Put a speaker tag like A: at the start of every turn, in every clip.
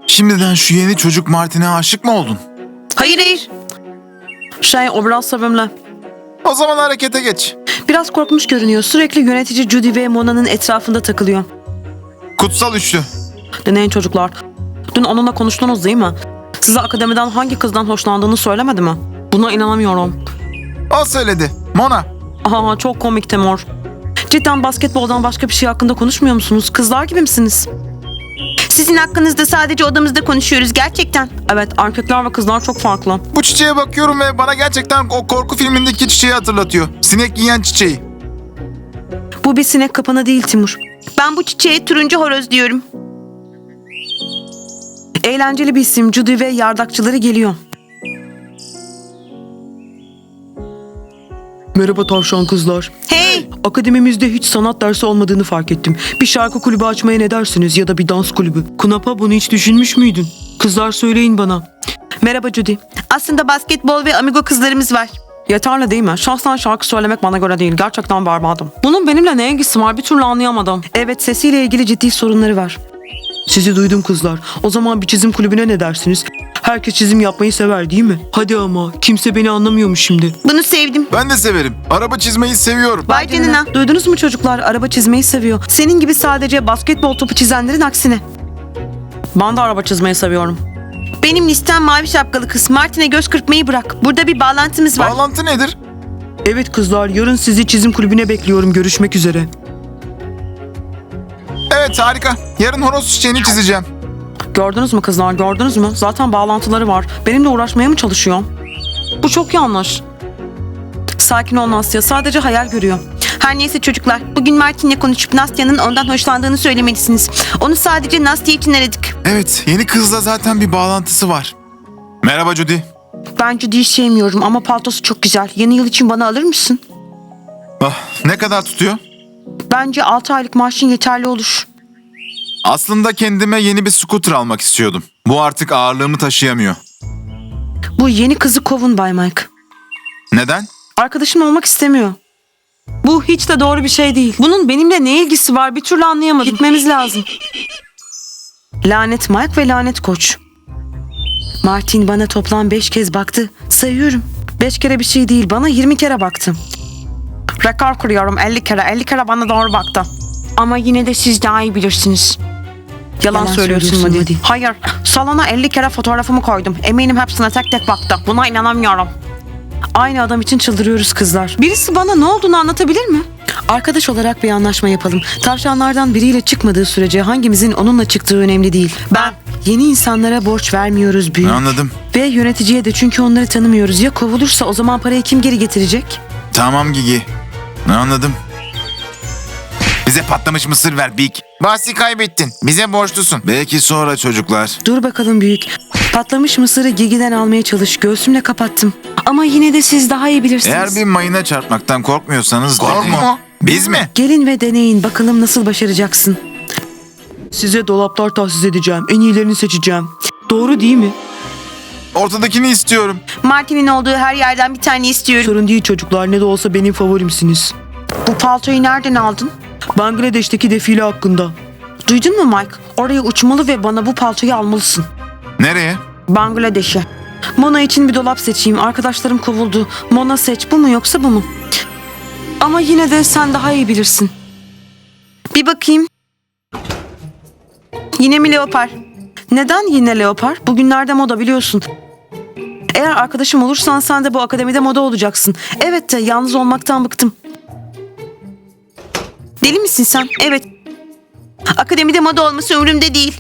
A: Şimdiden şu yeni çocuk Martin'e aşık mı oldun?
B: Hayır. O biraz sevimli.
A: O zaman harekete geç.
B: Biraz korkmuş görünüyor. Sürekli yönetici Judy ve Mona'nın etrafında takılıyor.
A: Kutsal üçlü.
B: Dinleyin çocuklar. Dün onunla konuştunuz değil mi? Size akademiden hangi kızdan hoşlandığını söylemedi mi? Buna inanamıyorum.
A: O söyledi. Mona.
B: Aha, çok komik Timur. Cidden basketboldan başka bir şey hakkında konuşmuyor musunuz? Kızlar gibi misiniz?
C: Sizin hakkınızda sadece odamızda konuşuyoruz gerçekten.
B: Evet, erkekler ve kızlar çok farklı.
A: Bu çiçeğe bakıyorum ve bana gerçekten o korku filmindeki çiçeği hatırlatıyor. Sinek yiyen çiçeği.
B: Bu bir sinek kapanı değil Timur.
C: Ben bu çiçeğe turuncu horoz diyorum.
B: Eğlenceli bir isim. Judy ve yardakçıları geliyor. Merhaba tavşan kızlar.
C: Hey!
B: Akademimizde hiç sanat dersi olmadığını fark ettim. Bir şarkı kulübü açmaya ne dersiniz ya da bir dans kulübü? Kunapa, bunu hiç düşünmüş müydün? Kızlar söyleyin bana. Merhaba Judy.
C: Aslında basketbol ve amigo kızlarımız var.
B: Yeterli değil mi? Şahsen şarkı söylemek bana göre değil. Gerçekten berbatım. Bunun benimle ne ilgisi var bir türlü anlayamadım. Evet, sesiyle ilgili ciddi sorunları var. Sizi duydum kızlar. O zaman bir çizim kulübüne ne dersiniz? Herkes çizim yapmayı sever değil mi? Hadi ama kimse beni anlamıyormuş şimdi.
C: Bunu sevdim.
A: Ben de severim. Araba çizmeyi seviyorum.
C: Vay canına.
B: Duydunuz mu çocuklar? Araba çizmeyi seviyor. Senin gibi sadece basketbol topu çizenlerin aksine. Ben de araba çizmeyi seviyorum.
C: Benim listem mavi şapkalı kız. Martin'e göz kırpmayı bırak. Burada bir bağlantımız var.
A: Bağlantı nedir?
B: Evet kızlar, yarın sizi çizim kulübüne bekliyorum. Görüşmek üzere.
A: Evet, harika. Yarın horoz çiçeğini çizeceğim.
B: Gördünüz mü kızlar, gördünüz mü? Zaten bağlantıları var. Benimle uğraşmaya mı çalışıyor? Bu çok yanlış. Sakin ol Nastya, sadece hayal görüyor.
C: Her neyse çocuklar. Bugün Martin'le konuşup Nastya'nın ondan hoşlandığını söylemelisiniz. Onu sadece Nastya için aradık.
A: Evet, yeni kızla zaten bir bağlantısı var. Merhaba Judy.
C: Ben Judy'yi sevmiyorum ama paltosu çok güzel. Yeni yıl için bana alır mısın?
A: Ne kadar tutuyor?
C: Bence 6 aylık maaşın yeterli olur.
A: Aslında kendime yeni bir scooter almak istiyordum. Bu artık ağırlığımı taşıyamıyor.
B: Bu yeni kızı kovun Bay Mike.
A: Neden?
B: Arkadaşım olmak istemiyor. Bu hiç de doğru bir şey değil. Bunun benimle ne ilgisi var bir türlü anlayamadım. Gitmemiz lazım. Lanet Mike ve lanet koç. Martin bana toplam 5 kez baktı. Sayıyorum. 5 kere bir şey değil, bana 20 kere baktı. Rekor kuruyorum, 50 kere. 50 kere bana doğru baktı.
C: Ama yine de siz daha iyi bilirsiniz.
B: Yalan söylüyorsun Madi. Hayır, salona 50 kere fotoğrafımı koydum. Eminim hepsine tek tek baktı. Buna inanamıyorum. Aynı adam için çıldırıyoruz kızlar. Birisi bana ne olduğunu anlatabilir mi? Arkadaş olarak bir anlaşma yapalım. Tavşanlardan biriyle çıkmadığı sürece hangimizin onunla çıktığı önemli değil. Ben yeni insanlara borç vermiyoruz büyük.
A: Anladım.
B: Ve yöneticiye de, çünkü onları tanımıyoruz. Ya kovulursa o zaman parayı kim geri getirecek?
A: Tamam Gigi. Anladım. Bize patlamış mısır ver Big. Bahsi kaybettin. Bize borçlusun. Belki sonra çocuklar.
B: Dur bakalım büyük. Patlamış mısırı Gigi'den almaya çalış. Göğsümle kapattım. Ama yine de siz daha iyi bilirsiniz.
A: Eğer bir mayına çarpmaktan korkmuyorsanız... Korkma. Biz mi?
B: Gelin ve deneyin. Bakalım nasıl başaracaksın. Size dolaplar tahsis edeceğim. En iyilerini seçeceğim. Doğru değil mi?
A: Ortadakini istiyorum.
C: Martin'in olduğu her yerden bir tane istiyorum.
B: Sorun değil çocuklar. Ne de olsa benim favorimsiniz.
C: Bu paltoyu nereden aldın?
B: Bangladeş'teki defile hakkında. Duydun mu Mike? Oraya uçmalı ve bana bu paltoyu almalısın.
A: Nereye?
B: Bangladeş'e. Mona için bir dolap seçeyim. Arkadaşlarım kovuldu. Mona seç. Bu mu yoksa bu mu? Ama yine de sen daha iyi bilirsin.
C: Bir bakayım. Yine mi leopar?
B: Neden yine leopar? Bugünlerde moda biliyorsun. Eğer arkadaşım olursan sen de bu akademide moda olacaksın. Evet de yalnız olmaktan bıktım.
C: Deli misin sen? Evet. Akademide moda olması umurumda değil.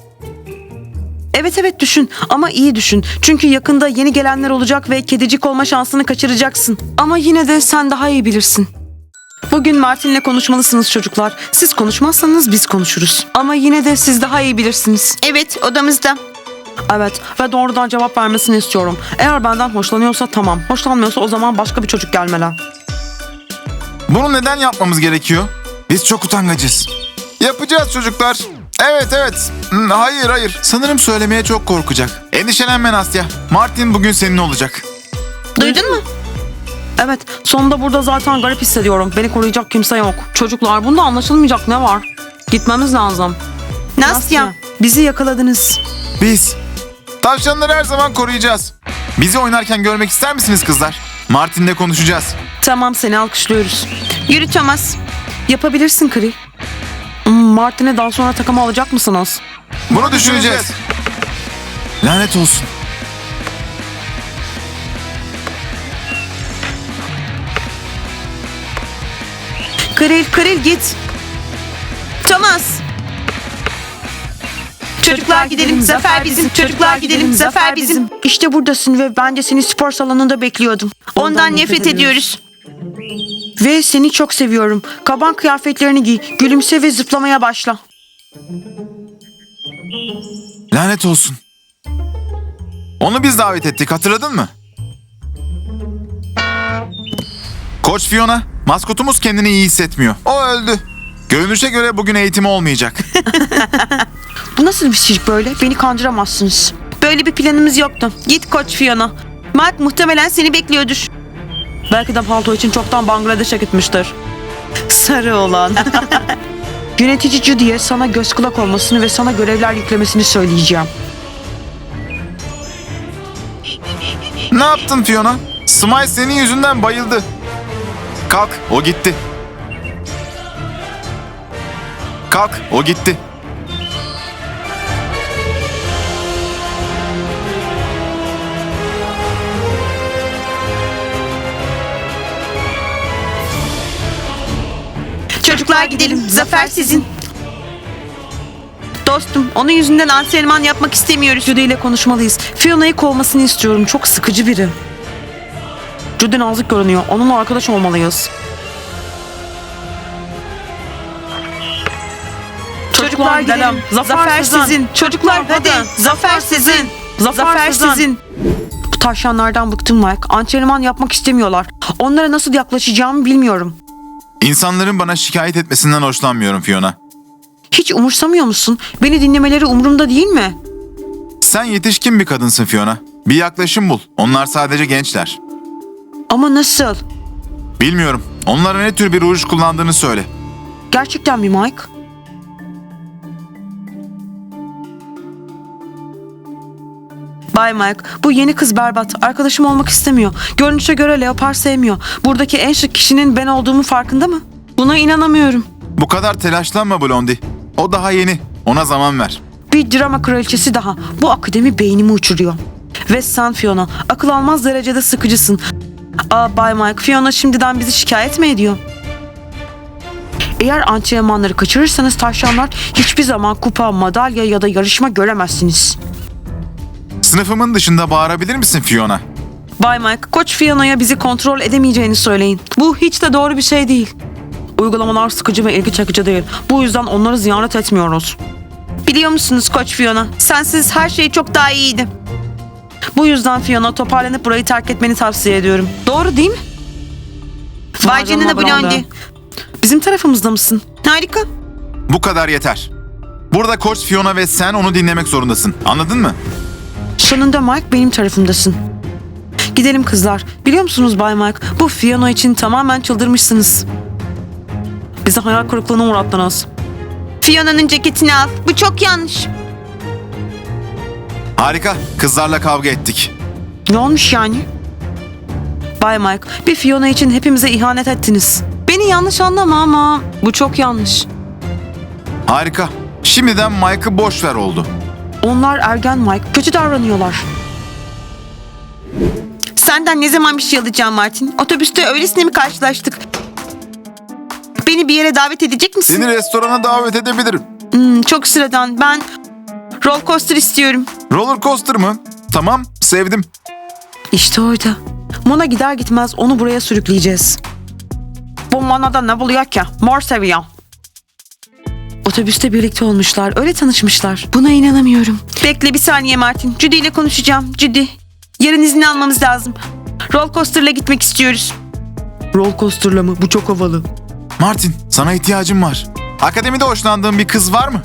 B: Evet düşün ama iyi düşün. Çünkü yakında yeni gelenler olacak ve kedicik olma şansını kaçıracaksın. Ama yine de sen daha iyi bilirsin. Bugün Martin'le konuşmalısınız çocuklar. Siz konuşmazsanız biz konuşuruz. Ama yine de siz daha iyi bilirsiniz.
C: Evet, odamızda.
B: Evet ve doğrudan cevap vermesini istiyorum. Eğer benden hoşlanıyorsa tamam. Hoşlanmıyorsa o zaman başka bir çocuk gelmeli.
A: Bunu neden yapmamız gerekiyor? Biz çok utangacız. Yapacağız çocuklar. Evet. Hayır. Sanırım söylemeye çok korkacak. Endişelenme Nastya. Martin bugün senin olacak.
C: Duydun mu?
B: Evet, sonunda burada zaten garip hissediyorum. Beni koruyacak kimse yok. Çocuklar, bunda anlaşılmayacak ne var? Gitmemiz lazım.
C: Nastya.
B: Bizi yakaladınız.
A: Biz. Tavşanları her zaman koruyacağız. Bizi oynarken görmek ister misiniz kızlar? Martin'le konuşacağız.
B: Tamam, seni alkışlıyoruz.
C: Yürü Thomas.
B: Yapabilirsin Kri. Martin'e daha sonra takım alacak mısınız?
A: Bunu düşüneceğiz. Lanet olsun.
C: Kril git. Thomas. Çocuklar gidelim, zafer bizim. Çocuklar gidelim, zafer bizim.
B: İşte buradasın ve ben de seni spor salonunda bekliyordum.
C: Ondan nefret ediyoruz.
B: Ve seni çok seviyorum. Kaban kıyafetlerini giy, gülümse ve zıplamaya başla.
A: Lanet olsun. Onu biz davet ettik, hatırladın mı? Koç Fiona, maskotumuz kendini iyi hissetmiyor. O öldü. Görünüşe göre bugün eğitimi olmayacak.
B: Bu nasıl bir şey böyle? Beni kandıramazsınız.
C: Böyle bir planımız yoktu. Git Koç Fiona. Mark muhtemelen seni bekliyordur.
B: Belki de palto için çoktan Bangladeş'e gitmiştir. Sarı olan. Yönetici Judy'ye sana göz kulak olmasını ve sana görevler yüklemesini söyleyeceğim.
A: Ne yaptın Fiona? Smile senin yüzünden bayıldı. Kalk, o gitti. Kalk, o gitti.
C: Çocuklar gidelim, zafer sizin. Dostum, onun yüzünden antrenman yapmak istemiyoruz.
B: Judy ile konuşmalıyız. Fiona'yı kovmasını istiyorum. Çok sıkıcı biri. Judy nazik görünüyor. Onunla arkadaş olmalıyız.
C: Çocuklar gidelim, zafer sizin. Çocuklar hadi, zafer sizin. Zafer sizin.
B: Bu tavşanlardan bıktım Mike. Antrenman yapmak istemiyorlar. Onlara nasıl yaklaşacağımı bilmiyorum.
A: İnsanların bana şikayet etmesinden hoşlanmıyorum Fiona.
B: Hiç umursamıyor musun? Beni dinlemeleri umurumda değil mi?
A: Sen yetişkin bir kadınsın Fiona. Bir yaklaşım bul. Onlar sadece gençler.
B: Ama nasıl?
A: Bilmiyorum. Onlara ne tür bir ruj kullandığını söyle.
B: Gerçekten mi Mike? Bay Mike, bu yeni kız berbat. Arkadaşım olmak istemiyor. Görünüşe göre leopar sevmiyor. Buradaki en şık kişinin ben olduğumu farkında mı? Buna inanamıyorum.
A: Bu kadar telaşlanma Blondie. O daha yeni. Ona zaman ver.
B: Bir drama kraliçesi daha. Bu akademi beynimi uçuruyor. Ve sen Fiona, akıl almaz derecede sıkıcısın. Bay Mike, Fiona şimdiden bizi şikayet mi ediyor? Eğer antrenmanları kaçırırsanız tavşanlar hiçbir zaman kupa, madalya ya da yarışma göremezsiniz.
A: Sınıfımın dışında bağırabilir misin Fiona?
B: Bay Mike, Koç Fiona'ya bizi kontrol edemeyeceğini söyleyin. Bu hiç de doğru bir şey değil. Uygulamalar sıkıcı ve ilgi çekici değil. Bu yüzden onları ziyaret etmiyoruz.
C: Biliyor musunuz Koç Fiona? Sensiz her şey çok daha iyiydi.
B: Bu yüzden Fiona toparlanıp burayı terk etmeni tavsiye ediyorum. Doğru değil mi?
C: Vay canına Blondie.
B: Bizim tarafımızda mısın?
C: Harika.
A: Bu kadar yeter. Burada Koç Fiona ve sen onu dinlemek zorundasın. Anladın mı?
B: Sonunda Mike benim tarafımdasın. Gidelim kızlar. Biliyor musunuz Bay Mike? Bu Fiona için tamamen çıldırmışsınız. Bizi hayal kırıklığına uğrattınız.
C: Fiona'nın ceketini al. Bu çok yanlış.
A: Harika. Kızlarla kavga ettik.
B: Ne olmuş yani? Bay Mike, bir Fiona için hepimize ihanet ettiniz. Beni yanlış anlama ama bu çok yanlış.
A: Harika. Şimdiden Mike'ı boş ver oldu.
B: Onlar ergen Mike, kötü davranıyorlar.
C: Senden ne zaman bir şey alacağım Martin? Otobüste öylesine mi karşılaştık? Beni bir yere davet edecek misin?
A: Seni restorana davet edebilirim.
C: Çok sıradan. Ben roller coaster istiyorum.
A: Roller coaster mı? Tamam, sevdim.
B: İşte orada. Mona gider gitmez onu buraya sürükleyeceğiz. Bu Mona'da ne buluyor ki? Mor seviyor. Otobüste birlikte olmuşlar, öyle tanışmışlar. Buna inanamıyorum.
C: Bekle bir saniye Martin. Judy ile konuşacağım. Judy, yarın izin almamız lazım. Roller coaster'la gitmek istiyoruz.
B: Roller coaster'la mı? Bu çok havalı.
A: Martin, sana ihtiyacım var. Akademide hoşlandığın bir kız var mı?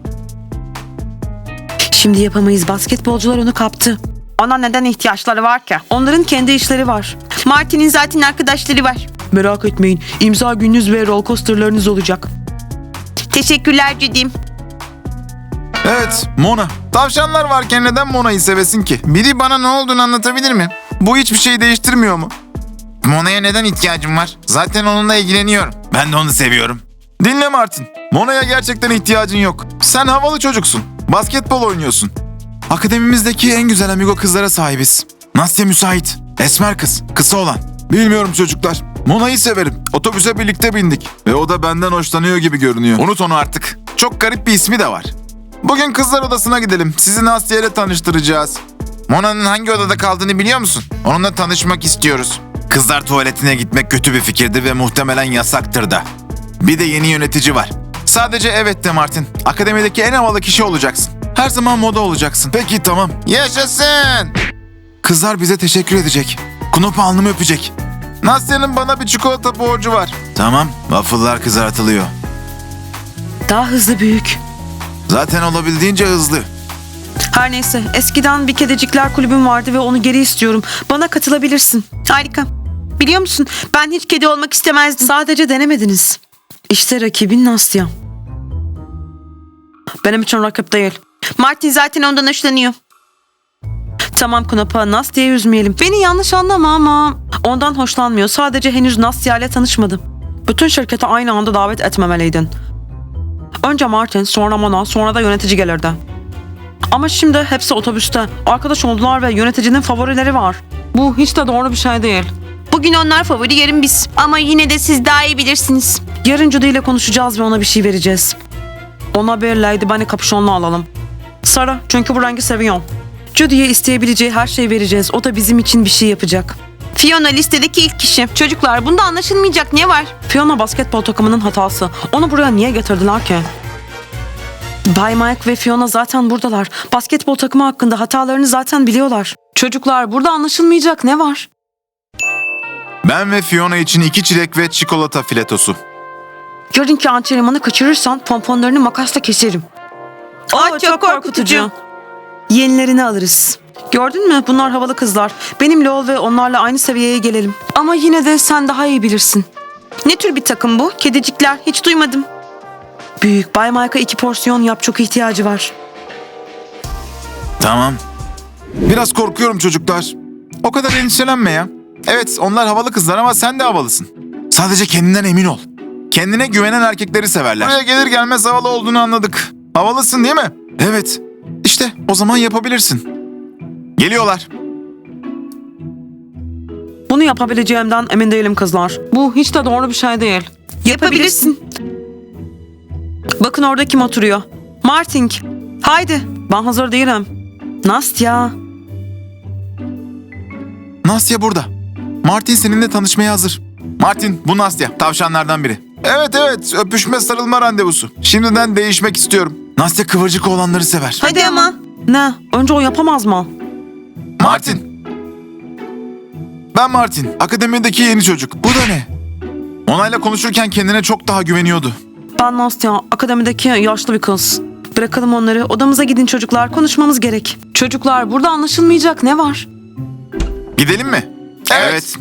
B: Şimdi yapamayız. Basketbolcular onu kaptı. Ona neden ihtiyaçları var ki? Onların kendi işleri var.
C: Martin'in zaten arkadaşları var.
B: Merak etmeyin. İmza gününüz ve roller coaster'larınız olacak.
C: Teşekkürler Judy.
A: Evet, Mona. Tavşanlar varken neden Mona'yı sevesin ki? Biri bana ne olduğunu anlatabilir mi? Bu hiçbir şeyi değiştirmiyor mu? Mona'ya neden ihtiyacım var? Zaten onunla ilgileniyorum. Ben de onu seviyorum. Dinle Martin. Mona'ya gerçekten ihtiyacın yok. Sen havalı çocuksun. Basketbol oynuyorsun. Akademimizdeki en güzel amigo kızlara sahibiz. Nastya müsait. Esmer kız. Kısa olan. Bilmiyorum çocuklar. Mona'yı severim. Otobüse birlikte bindik. Ve o da benden hoşlanıyor gibi görünüyor. Unut onu artık. Çok garip bir ismi de var. Bugün kızlar odasına gidelim. Sizi Nastya ile tanıştıracağız. Mona'nın hangi odada kaldığını biliyor musun? Onunla tanışmak istiyoruz. Kızlar tuvaletine gitmek kötü bir fikirdi ve muhtemelen yasaktır da. Bir de yeni yönetici var. Sadece evet de Martin. Akademideki en havalı kişi olacaksın. Her zaman moda olacaksın. Peki tamam. Yaşasın. Kızlar bize teşekkür edecek. Knopa alnımı öpecek. Nastya'nın bana bir çikolata borcu var. Tamam. Waffle'lar kızartılıyor.
B: Daha hızlı büyük.
A: Zaten olabildiğince hızlı.
B: Her neyse, eskiden bir kedicikler kulübüm vardı ve onu geri istiyorum. Bana katılabilirsin.
C: Harika. Biliyor musun ben hiç kedi olmak istemezdim.
B: Sadece denemediniz. İşte rakibin Nastya. Benim için rakip değil.
C: Martin zaten ondan hoşlanıyor.
B: Tamam Knopa, Nastya'yı üzmeyelim. Beni yanlış anlama ama ondan hoşlanmıyor. Sadece henüz Nastya ile tanışmadı. Bütün şirketi aynı anda davet etmemeliydin. Önce Martin, sonra Mona, sonra da yönetici gelirdi. Ama şimdi hepsi otobüste. Arkadaş oldular ve yöneticinin favorileri var. Bu hiç de doğru bir şey değil.
C: Bugün onlar favori, yarın biz. Ama yine de siz daha iyi bilirsiniz.
B: Yarın Judy ile konuşacağız ve ona bir şey vereceğiz. Ona bir Lady Bunny kapüşonlu alalım. Sarı, çünkü bu rengi seviyor. Judy'ye isteyebileceği her şeyi vereceğiz. O da bizim için bir şey yapacak.
C: Fiona listedeki ilk kişi. Çocuklar bunda anlaşılmayacak ne var?
B: Fiona basketbol takımının hatası. Onu buraya niye getirdiler ki? Bay Mike ve Fiona zaten buradalar. Basketbol takımı hakkında hatalarını zaten biliyorlar. Çocuklar, burada anlaşılmayacak ne var?
A: Ben ve Fiona için 2 çilek ve çikolata filetosu.
B: Yarınki antrenmanı kaçırırsan pomponlarını makasla keserim.
C: Çok korkutucu.
B: Yenilerini alırız. Gördün mü? Bunlar havalı kızlar. Benimle ol ve onlarla aynı seviyeye gelelim. Ama yine de sen daha iyi bilirsin.
C: Ne tür bir takım bu? Kedicikler hiç duymadım.
B: Büyük Bay Mike'a 2 porsiyon yap, çok ihtiyacı var.
A: Tamam. Biraz korkuyorum çocuklar. O kadar endişelenme ya. Evet, onlar havalı kızlar ama sen de havalısın. Sadece kendinden emin ol. Kendine güvenen erkekleri severler. Buraya gelir gelmez havalı olduğunu anladık. Havalısın değil mi? Evet. İşte o zaman yapabilirsin. Geliyorlar.
B: Bunu yapabileceğimden emin değilim kızlar. Bu hiç de doğru bir şey değil.
C: Yapabilirsin.
B: Bakın orada kim oturuyor? Martin. Haydi. Ben hazır değilim. Nastya.
A: Nastya burada. Martin seninle tanışmaya hazır. Martin, bu Nastya. Tavşanlardan biri. Evet, öpüşme sarılma randevusu. Şimdiden değişmek istiyorum. Nastya kıvırcık olanları sever.
C: Hadi ama.
B: Ne? Önce o yapamaz mı?
A: Martin. Ben Martin. Akademideki yeni çocuk. Bu da ne? Onayla konuşurken kendine çok daha güveniyordu.
B: Ben Nastya. Akademideki yaşlı bir kız. Bırakalım onları. Odamıza gidin çocuklar. Konuşmamız gerek. Çocuklar, burada anlaşılmayacak ne var?
A: Gidelim mi? Evet.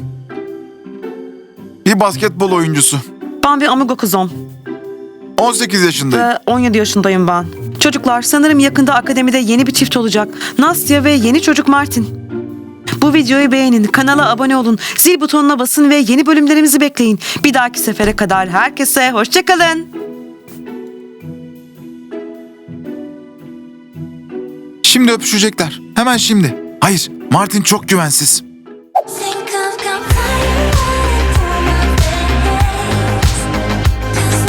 A: Bir basketbol oyuncusu.
B: Ben bir amigo kızım.
A: 18 yaşındayım.
B: Ve 17 yaşındayım ben. Çocuklar, sanırım yakında akademide yeni bir çift olacak. Nastya ve yeni çocuk Martin. Bu videoyu beğenin, kanala abone olun, zil butonuna basın ve yeni bölümlerimizi bekleyin. Bir dahaki sefere kadar herkese hoşça kalın.
A: Şimdi öpüşecekler. Hemen şimdi. Hayır, Martin çok güvensiz.
D: Sing